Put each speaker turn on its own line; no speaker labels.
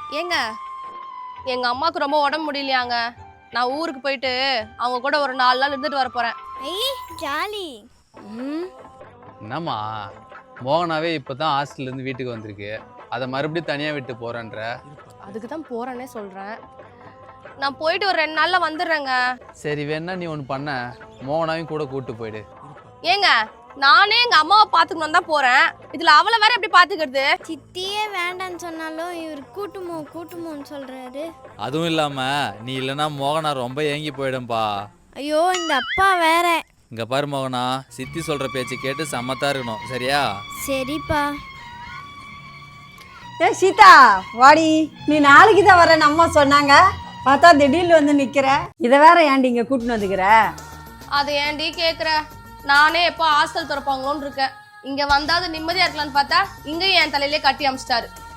ஏங்க எங்க அம்மாவுக்கு ரொம்ப உடம்பு முடியலையாங்க. நான் ஊருக்கு போயிட்டு அவங்க கூட ஒரு 4 நாள் இருந்துட்டு வர போறேன்.
ஜாலி.
என்னம்மா மோகனாவே இப்பதான் ஹாஸ்டல்ல இருந்து வீட்டுக்கு வந்திருக்கு, அதை மறுபடியும் தனியா விட்டு போறேன்ற?
அதுக்கு தான் போறேன்னே சொல்றேன். நான் போயிட்டு ஒரு 2 நாள்ல வந்துடுறேங்க.
சரி வேணா நீ ஒன்று பண்ண, மோகனாவையும் கூட கூட்டு போயிடு.
ஏங்க நானே எங்க அம்மாவை பாத்துக்கணும் தான் போறேன், இதுல அவளை வேற எப்படி பாத்துக்கிறது?
சித்தியே வேண்டான்னு சொன்னாலும் இவர் கூட்டுமோன்னு சொல்றாரு.
அதுவும் இல்லாம நீ இல்லைன்னா மோகனா ரொம்ப ஏங்கி போயிடும்பா.
ஐயோ இந்த அப்பா வேற.
இங்க பாரு மோகனா, சித்தி சொல்ற பேச்சு கேட்டு சமத்தா இருக்கணும், சரியா?
சரிப்பா.
சீதா வாடி, நீ நாளைக்கு தான் வரேன்னு அம்மா சொன்னாங்க, பார்த்தா திடீர்னு வந்து நிக்கிற. இதை வேற ஏன்டி இங்க கூட்டின்னு வந்துக்கிற?
அது ஏன்டி கேக்குற? நானே எப்போ ஹாஸ்டல் திறப்பாங்களோன்னு இருக்கேன். இங்க வந்தாது நிம்மதியா இருக்கலாம்னு பார்த்தா இங்கேயும் என் தலையிலே கட்டி அமிச்சிட்டாரு.